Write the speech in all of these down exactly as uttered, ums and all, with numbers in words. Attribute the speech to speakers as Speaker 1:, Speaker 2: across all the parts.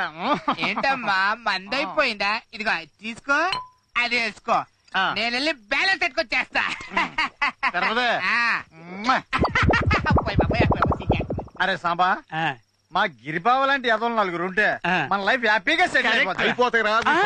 Speaker 1: ఏంటమ్మా మందైపోయిందా? ఇదిగో తీసుకో, అది వేసుకో, నేను వెళ్ళి బ్యాలెన్స్ పెట్టుకొచ్చేస్తా.
Speaker 2: అరే సాంబా, మా గిరిబావ లాంటి ఎదలు నలుగురు ఉంటే మన లైఫ్ హ్యాపీగా సెటిల్ అయిపోతాయి.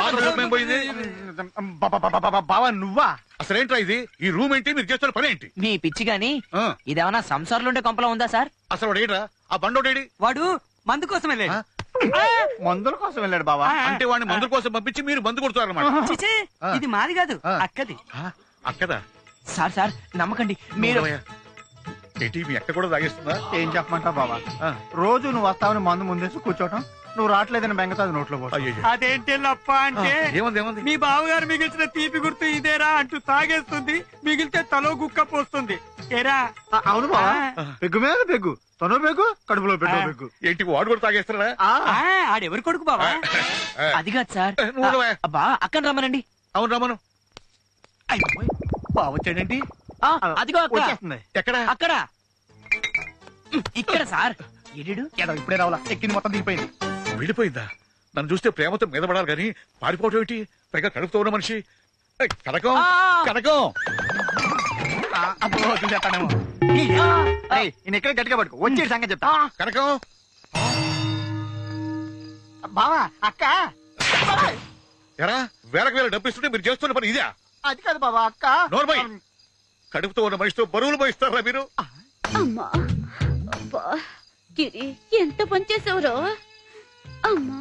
Speaker 2: బావా నువ్వా?
Speaker 3: అసలేంట్రా ఇది? ఈ రూమ్ ఏంటి? మీరు చేస్తున్న పని ఏంటి?
Speaker 4: మీ పిచ్చి గాని ఇదేమన్నా సంసార్లు ఉండే కొంపలో ఉందా సార్?
Speaker 3: అసలు వాడు ఏంట్రా? ఆ బండోడేడి?
Speaker 5: వాడు మందు కోసం వెళ్ళాడు.
Speaker 2: మందుల కోసం వెళ్ళాడు బావా.
Speaker 3: అంటే వాడిని మందుల కోసం పంపించి మీరు మందు కొడుతున్నారన్నమాట.
Speaker 5: ఇది మాది కాదు, అక్కది.
Speaker 3: అక్కదా?
Speaker 4: సార్ సార్ నమ్మకండి మీరు.
Speaker 3: ఏంటి మీ అక్క కూడా తాగేస్తుందా?
Speaker 2: ఏం చెప్పమంటావు బావా, రోజు నువ్వు వస్తావని మందు ముందేసి కూర్చోటం, నువ్వు రావట్లేదని బెంగతో అది నోట్లో పో.
Speaker 5: అదేంటి లప్ప అంటే
Speaker 3: ఏముంది ఏముంది?
Speaker 5: మీ బావగారు మిగిల్చిన తీపి గుర్తు ఇదేరా అంటూ తాగేస్తుంది, మిగిలితే తలో గుక్క పోస్తుంది. ఏరా?
Speaker 2: అవును బావా, పెగ్గు మీద పెగ్గు, తను పెగ్గు, కడుపులో పెట్టు పెగ్గు.
Speaker 3: ఏంటి వాడు కూడా తాగేస్తాడా?
Speaker 5: ఆడెవరు కొడుకు బావా?
Speaker 4: అది కాదు సార్. బా అక్కడ రమ్మనండి.
Speaker 3: అవును రమ్మను.
Speaker 2: బావ వచ్చాడేంటి?
Speaker 4: అదిగో
Speaker 2: వచ్చేస్తుంది.
Speaker 3: ఎక్కడ?
Speaker 4: అక్కడ ఇక్కడ సార్. ఎడు
Speaker 2: ఇప్పుడే రావాలా, ఎక్కింది మొత్తం దిగిపోయింది.
Speaker 3: వెళ్ళిపోయిందా? నన్ను చూస్తే ప్రేమతో మీద పడాలి కానీ పారిపోవటం ఏంటి? పైగా కడుపుతో ఉన్న మనిషి. కనకం కనకం
Speaker 2: చెప్పానేమో. నేను ఎక్కడ గట్టిగా పట్టుకో, వచ్చే సంగతి చెప్తా.
Speaker 3: కనకం
Speaker 2: బావా అక్క.
Speaker 3: ఎరా వేలకు వేల డబ్బు ఇస్తుంటే మీరు చేస్తున్న పని ఇదే?
Speaker 2: అది కాదు బావా అక్క.
Speaker 3: నోర్మై, కడుపుతో ఉన్న మనిషితో బరువులు పోయిస్తారా మీరు?
Speaker 6: అమ్మా అబ్బా గిరి, ఎంత పని చేసావురో. అమ్మా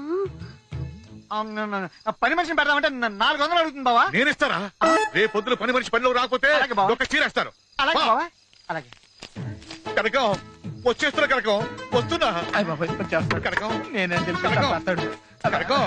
Speaker 2: పని మనిషిని పెడదామంటే నాలుగు వందలు అడుగుతుంది బావా.
Speaker 3: నేను ఇస్తారా? రేపు పొద్దున పని మనిషి పనిలో రాకపోతే ఒక చీరేస్తారు.
Speaker 2: అలాగే బావా, అలాగే.
Speaker 3: కనకం వచ్చేస్తున్నా. కనకం వస్తున్నా. కనకం
Speaker 2: నేనేం తెలుసు
Speaker 3: కనకం కనకం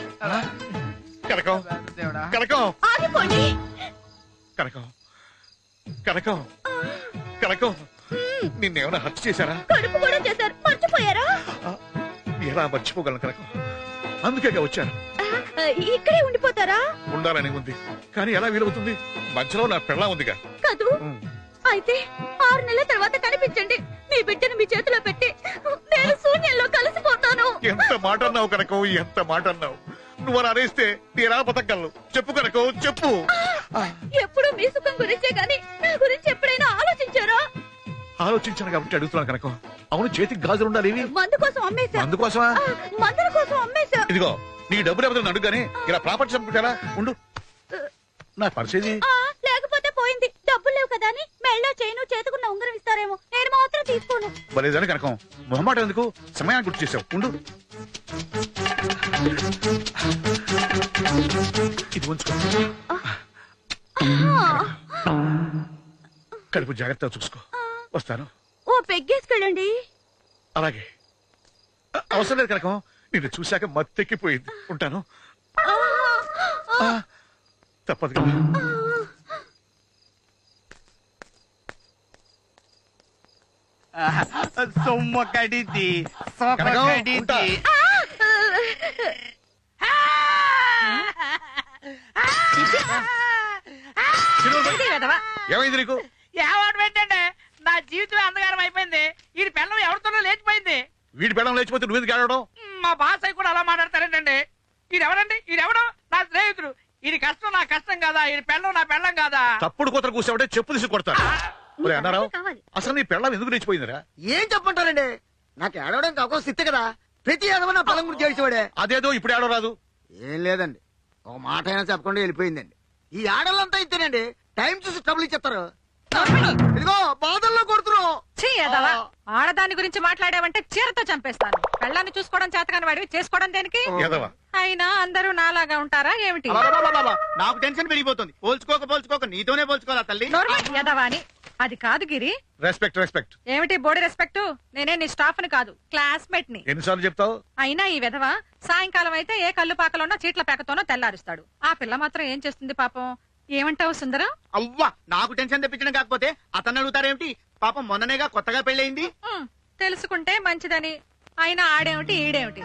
Speaker 3: కనకం కనకం
Speaker 6: ఆగిపోండి.
Speaker 3: కనకం కనకం కనకం నిన్నేమైనా హత్య చేశారా?
Speaker 6: కడుపు కూడా చేశారు, మర్చిపోయారా?
Speaker 3: ఎలా మర్చిపోగలను కనకం? అందుకే వచ్చాను.
Speaker 6: ఇక్కడే ఉండిపోతారా?
Speaker 3: ఉండాలని ఉంది కానీ ఎలా వీలవుతుంది? మధ్యలో నా పెళ్ళా ఉందిగా.
Speaker 6: కాదు, అయితే ఆరు నెలల తర్వాత కనిపించండి. మీ బిడ్డను మీ చేతిలో పెట్టి నేను శూన్యంలో కలిసిపోతాను.
Speaker 3: ఎంత మాట అన్నావు కనకం, ఎంత మాట అన్నావు. నువ్వు అలా అనేస్తే నేరా బతకగలను. చెప్పు కనకం చెప్పు.
Speaker 6: ఎప్పుడు మీ సుఖం గురించే గాని నా గురించి ఎప్పుడైనా ఆలోచించారా?
Speaker 3: ఆలోచించాను కాబట్టి అడుగుతున్నాను కనకం. అవును, చేతికి గాజులు ఉండాలి.
Speaker 6: మందు కోసం అమ్మేశా.
Speaker 3: అందుకోసమా?
Speaker 6: మందుల కోసం అమ్మేశా.
Speaker 3: ఇదిగో నీ డబ్బులు ఎవరైనా అడుగుగానే ఇలా ప్రాపర్టీ చంపుకుంటారా? ఉండు, నా పరిస్థితి.
Speaker 6: లేకపోతే పోయింది. డబ్బులు లేవు కదా అని మెళ్ళో చేయను చేతుకున్న ఉంగరం ఇస్తారేమో, నేను మాత్రం తీసుకోను.
Speaker 3: బలేదని కనకం, మొహమాట ఎందుకు? సమయాన్ని గుర్తు చేసావు. ఉండు, ఇది ఉంచుకో. కడుపు జాగ్రత్తగా చూసుకో. వస్తాను.
Speaker 6: ఓ పెగ్గేసుకెళ్ళండి.
Speaker 3: అలాగే. అవసరం లేదు కనకం, నిన్ను చూశాక మత్తెక్కిపోయింది. ఉంటాను. తప్పదు కదా.
Speaker 2: సొమ్మ కడిది
Speaker 3: ఉంటా. ఏమైంది నీకు?
Speaker 1: ఏవాడు పెట్టండి, నా జీవితం అంధకారం అయిపోయింది. ఈ పిల్లం ఎవరితోనో లేచిపోయింది.
Speaker 3: వీడి పెళ్ళం లేచిపోతే నువ్వెందుకు ఆడడం?
Speaker 1: మా బాసాయి కూడా అలా మాట్లాడతారేంటండి? ఈడెవరండి? ఈడెవడో నా స్నేహితుడు. ఇది కష్టం నా కష్టం కాదా? ఈ పెళ్ళం నా పెళ్ళం కాదా?
Speaker 3: తప్పుడు కూతురు కూర్చోబట్టే చెప్పు తీసి కొడతాను. అన్నారావు, అసలు నీ పెళ్ళం ఎందుకు లేచిపోయిందిరా?
Speaker 2: ఏం చెప్పంటారండి, నాకు ఏడవడానికి అవకాశం సిద్ధ కదా. ప్రతి ఏదవ నా పొలం గురించి చేసేవాడే.
Speaker 3: అదేదో ఇప్పుడు ఏడవ రాదు.
Speaker 2: ఏం లేదండి, ఒక మాట అయినా చెప్పకుండా వెళ్ళిపోయిందండి. ఈ ఆడలంతా ఇస్తేనండి టైం చూసి ట్రబుల్ ఇచ్చేస్తారు. ఇదిగో బాధల్లో కొడుతున్నావు.
Speaker 7: ఆడదాని గురించి మాట్లాడావంటే చీరతో చంపేస్తాను. పెళ్ళాన్ని చూసుకోవడం చేతకాని వాడివి, చేసుకోవడం దేనికి? అయినా అందరూ నాలాగా ఉంటారా ఏమిటి?
Speaker 2: నాకు టెన్షన్ పెరిగిపోతుంది. పోల్చుకోక పోల్చుకోక నీతోనే పోల్చుకోవాలా తల్లి?
Speaker 7: యదవాని. అది కాదు గిరి.
Speaker 3: రెస్పెక్ట్ రెస్పెక్ట్
Speaker 7: ఏమిటి బోడి రెస్పెక్ట్? నేనే నీ స్టాఫ్ ని కాదు, క్లాస్మేట్ ని.
Speaker 3: ఎన్నిసార్లు చెప్తావు?
Speaker 7: అయినా ఈ విధవ సాయంకాలం అయితే ఏ కళ్ళు పాకలోనో చీట్ల పేకతోనో తెల్లారుస్తాడు. ఆ పిల్ల మాత్రం ఏం చేస్తుంది పాపం? ఏమంటావు సుందరం?
Speaker 2: అవ్వా, నాకు టెన్షన్ తెప్పించడం కాకపోతే అతను అడుగుతారేమిటి? పాపం మొన్ననేగా కొత్తగా పెళ్ళయింది.
Speaker 7: తెలుసుకుంటే మంచిదని. అయినా ఆడేమిటి ఈడేమిటి?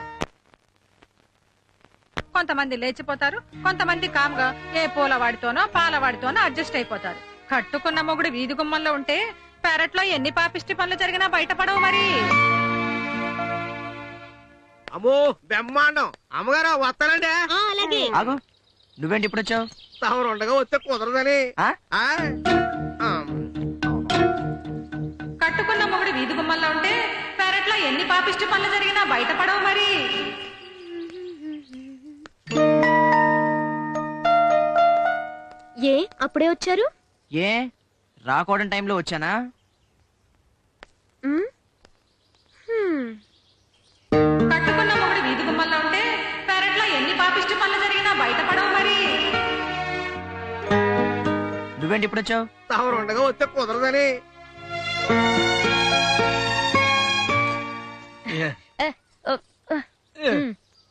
Speaker 7: కొంతమంది లేచిపోతారు, కొంతమంది కామ్గా ఏ పూలవాడితోనో పాలవాడితోనో అడ్జస్ట్ అయిపోతారు. కట్టుకున్న మొగుడు వీధి గుమ్మంలో ఉంటే పెరట్లో ఎన్ని పాపిష్టి పనులు జరిగినా బయటపడవు మరి.
Speaker 2: అమ్మో బ్రహ్మాండం. అమ్మగారు వస్తానండి.
Speaker 6: అలాగే.
Speaker 4: ఆగు, నువ్వేంటి ఇప్పుడు వచ్చావు?
Speaker 2: తమరు ఉండగా వస్తే కుదరదని.
Speaker 4: ఆ?
Speaker 2: ఆ? ఆ.
Speaker 7: కట్టుకున్న మొగుడు వీధి గుమ్మల్లో ఉంటే పెరట్లో ఎన్ని పాపిష్టి పనులు జరిగినా బయటపడవు మరి.
Speaker 6: ఏ అప్పుడే వచ్చారు?
Speaker 4: ఏ రాకూడని టైంలో వచ్చానా?
Speaker 6: ఉమ్, హ్మ్.
Speaker 7: కట్టుకున్న మొగుడు వీధి గుమ్మల్లో ఉంటే పెరట్లో ఎన్ని పాపిష్టి పనులు జరిగినా బయటపడవు మరి.
Speaker 4: నువ్వేంటి ఇప్పుడు వచ్చావు?
Speaker 2: తమరు ఉండగా వస్తే కుదరదని.
Speaker 6: ఏ, ఓ, ఆ, ఉమ్.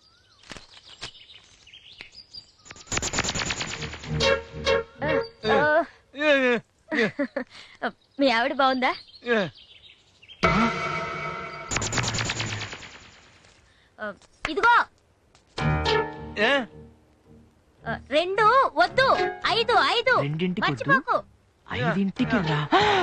Speaker 6: ఆ, ఆ. మీ ఆవిడ బాగుందా? ఆ, ఇదిగో ఆ, రెండు వద్దు, ఐదు ఐదు
Speaker 4: రెండింటికి వద్దు?
Speaker 6: మర్చిపోకు.
Speaker 4: ఐదింటికి రా.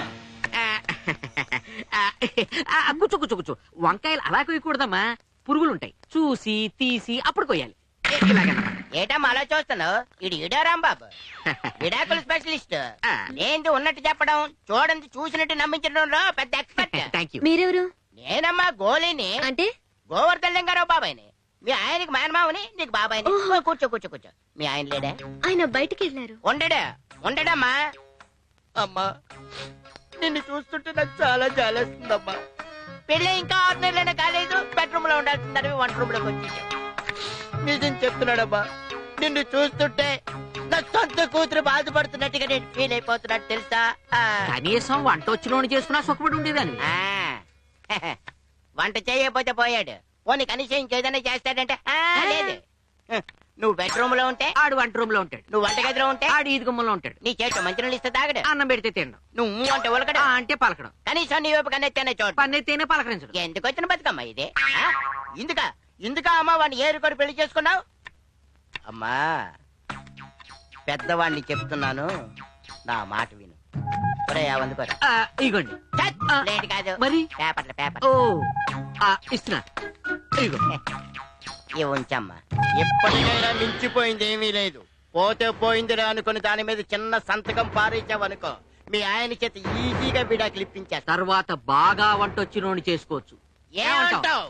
Speaker 8: కూర్చో కూర్చో కూర్చో వంకాయలు అలా కొయ్యకూడదమ్మా, పురుగులుంటాయి. చూసి తీసి అప్పుడు కొయ్యాలి. ఇలాగేనమ్మా.
Speaker 9: ఏటమ్మా అలా చూస్తున్నావు? ఇది ఇడా రాంబాబు, విడాకుల స్పెషలిస్ట్. ఏంటి ఉన్నట్టు చెప్పడం, చూడండి చూసినట్టు నమ్మించడంలో పెద్ద ఎక్స్పర్ట్.
Speaker 8: Thank you.
Speaker 6: మీరెవరు?
Speaker 9: నేనమ్మా గోళీని,
Speaker 6: అంటే
Speaker 9: గోవర్ధన్ లింగారావు బాబాయ్ని. మీ ఆయనకి మేనమావని, నీకు బాబాయ్ని.
Speaker 6: ఓహో.
Speaker 9: ఓ, కూర్చో కూర్చో కూర్చో. మీ ఆయన లేడా?
Speaker 6: ఆయన బయటికి వెళ్ళారు.
Speaker 9: ఉండడా ఉండడమ్మా. అమ్మా నిన్ను చూస్తుంటే నాకు చాలా జాలేస్తుందమ్మా. పెళ్ళి ఇంకా ఆరు నెలలైనా కాలేదు, బెడ్రూమ్ లో ఉండాల్సిందని వంట రూమ్ లోకి వచ్చేసాం. నిజం చెప్తున్నాడమ్మా, నిన్ను చూస్తుంటే నా సొంత కూతురు బాధపడుతున్నట్టుగా నేను ఫీల్ అయిపోతున్నట్టు తెలుసా? ఆ.
Speaker 8: కనీసం వంట వచ్చిన చేసుకున్నా సుఖపడి ఉండేదాన్ని.
Speaker 9: ఆ. వంట చేయకపోతే పోయాడు, పోనీ కనీసం ఇంకేదైనా చేస్తాడంటే ఆ, లేదు. నువ్వు బెడ్రూమ్ లో ఉంటే
Speaker 8: ఆడు వంట రూమ్ లో ఉంటాడు,
Speaker 9: నువ్వు వంటగదిలో ఉంటే
Speaker 8: ఆడు ఈది గుమ్మలో ఉంటాడు.
Speaker 9: నీ చేతిలో మంచినీళ్ళు ఇస్తే తాగడు,
Speaker 8: అన్నం పెడితే తినడం,
Speaker 9: నువ్వు అంటే ఉలకడు,
Speaker 8: ఆ అంటే పలకడం,
Speaker 9: కనీసం నీ వైపు కన్నెత్తేనే చోటు.
Speaker 8: పన్నెత్తేనే పలకరించడం.
Speaker 9: ఎందుకు వచ్చిన బతుకమ్మా ఇది? ఆ? ఇందుక ఇందుక అమ్మా వాడిని ఏరుకొని పెళ్లి చేసుకున్నావు? అమ్మా పెద్దవాడిని చెప్తున్నాను, నా మాట విను. ఒరే, ఆ వందుకోరా.
Speaker 8: ఆ, ఇగోండి.
Speaker 9: ఛత్,
Speaker 8: ఆ,
Speaker 9: లేదు కాదు,
Speaker 8: మరి
Speaker 9: పేపర్ల పేపర్.
Speaker 8: ఓ ఆ, ఇస్తున్నా. ఇగో.
Speaker 9: ఇవి ఉంచమ్మా. ఎప్పటికైనా మించిపోయింది ఏమీ లేదు, పోతే పోయిందిరా అనుకుని దాని మీద చిన్న సంతకం పారేసావనుకో, మీ ఆయన చేత ఈజీగా విడాకులు ఇప్పించేస్తా.
Speaker 8: తర్వాత బాగా వంట వచ్చినోని చేసుకోవచ్చు.
Speaker 9: ఏమంటావ్?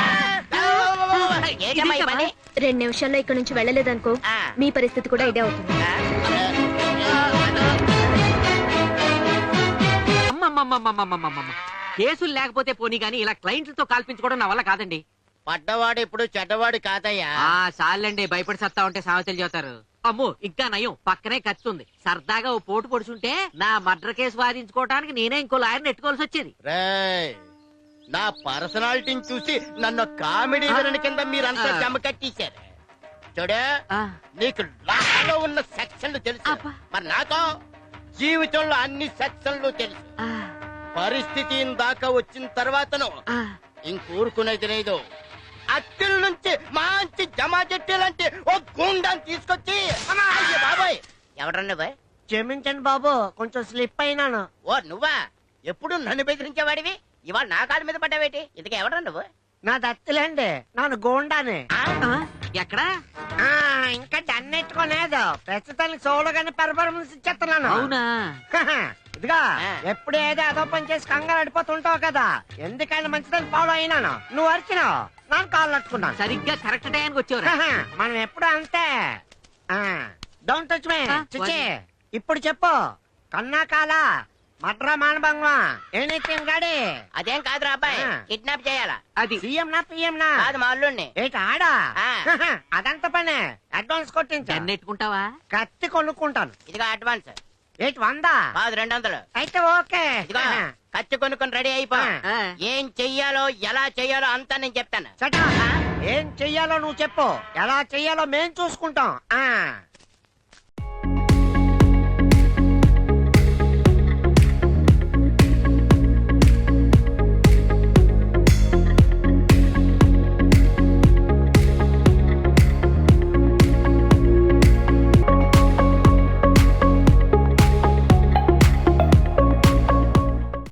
Speaker 9: ఏంటమ్మా ఈ పని?
Speaker 6: రెండు నిమిషాల్లో ఇక్కడ నుంచి వెళ్ళలేదనుకో,
Speaker 9: ఆ.
Speaker 6: మీ పరిస్థితి కూడా ఇదే అవుతుంది.
Speaker 9: ఆ?
Speaker 8: అమ్మమ్మమ్మమ్మమ్మమ్మమ్మ. కేసులు లేకపోతే పోనీ గానీ ఇలా క్లయింట్లతో కాల్పించుకోవడం నా వల్ల కాదండి.
Speaker 9: పడ్డవాడు ఇప్పుడు చెడ్డవాడు కాదయ్యా.
Speaker 8: ఆ చాలండి, భయపడి సత్తా ఉంటే సామెతలు చెబుతారు. అమ్మో ఇంకా నయం, పక్కనే ఖర్చు ఉంది. సరదాగా ఓ పోటు పొడుచుంటే నా మర్డర్ కేసు వాదించుకోవడానికి నేనే ఇంకో లాయర్ని ఎట్టుకోవాల్సి వచ్చేది.
Speaker 9: రేయ్, నా పర్సనాలిటీని చూసి నన్ను కామెడీ విలన్ కింద మీరంతా
Speaker 8: ఆ.
Speaker 9: జమ కట్టేశారు. చూడు,
Speaker 8: ఆ,
Speaker 9: నీకు లాలో ఉన్న సెక్షన్లు తెలుసు,
Speaker 8: అబ్బా.
Speaker 9: మరి నాతో జీవితంలో అన్ని సెక్షన్లు తెలుసు.
Speaker 8: ఆ,
Speaker 9: పరిస్థితి దాకా వచ్చిన తర్వాతను
Speaker 8: ఆ.
Speaker 9: ఇంకూరుకునేది లేదు. అత్తిల నుంచి మంచి జమా చెట్టాలంటే ఓ గుండాన్ని తీసుకొచ్చి, అయ్య బాబాయ్, ఎవరన్నా బాయ్?
Speaker 2: క్షమించండి బాబు, కొంచెం స్లిప్ అయినాను.
Speaker 9: ఓ నువ్వా? ఎప్పుడు నన్ను బెదిరించేవాడివి, ఇవాళ నా కాళ్ళ మీద పడ్డావేటి? ఇంతకీ ఎవడరా నువ్వు?
Speaker 2: నా దత్తులేండి, నాను గోండానే.
Speaker 9: ఆ?
Speaker 8: ఆ, ఎక్కడా?
Speaker 2: ఆ, ఇంకా దన్నెట్టుకోలేదు, ప్రస్తుతానికి సోలోగానే పెర్ఫార్మెన్స్ ఇచ్చేస్తున్నాను.
Speaker 8: అవునా?
Speaker 2: హహ, ఇదిగా
Speaker 9: ఆ.
Speaker 2: ఎప్పుడు ఏదో అదో పని చేసి కంగారు అడిపోతుంటావు కదా, ఎందుకైనా మంచిదని ఫాలో అయినాను. నువ్వు అరిచినావు, నాకు కాళ్ళు అట్టుకున్నాను.
Speaker 8: సరిగ్గా కరెక్ట్ టైంకి వచ్చేవరా?
Speaker 2: హహ, మనం ఎప్పుడు అంతే. డోంట్ టచ్ మీ
Speaker 8: ఆ,
Speaker 2: చిచి. ఇప్పుడు చెప్పు, కన్నా కాల మడ్రా మానభంగం ఎనీథింగ్ గాడి.
Speaker 9: అదేం కాదురా అబ్బాయి,
Speaker 2: ఆ.
Speaker 9: కిడ్నాప్ చేయాలా?
Speaker 8: అది
Speaker 2: సీఎం నా పిఎం నా
Speaker 9: కాదు మా అల్లుడిని.
Speaker 2: ఏంటి ఆడా?
Speaker 9: ఆ.
Speaker 2: హహ, అదంత పనే, అడ్వాన్స్ కొట్టించా.
Speaker 8: నెట్టుకుంటావా?
Speaker 2: కత్తి కొనుక్కుంటాను.
Speaker 9: ఇదిగో అడ్వాన్స్.
Speaker 2: ఏంటి వందా?
Speaker 9: కాదు రెండు వందలు.
Speaker 2: అయితే ఓకే.
Speaker 9: ఇదిగో
Speaker 2: హహ.
Speaker 9: ఖర్చు కొనుక్కొని రెడీ అయిపో.
Speaker 2: ఆ.
Speaker 8: ఆ.
Speaker 9: ఏం చెయ్యాలో ఎలా చెయ్యాలో అంతా నేను చెప్తాను.
Speaker 2: చటా, ఏం చెయ్యాలో నువ్వు చెప్పు, ఎలా చెయ్యాలో మేం చూసుకుంటాం. ఆ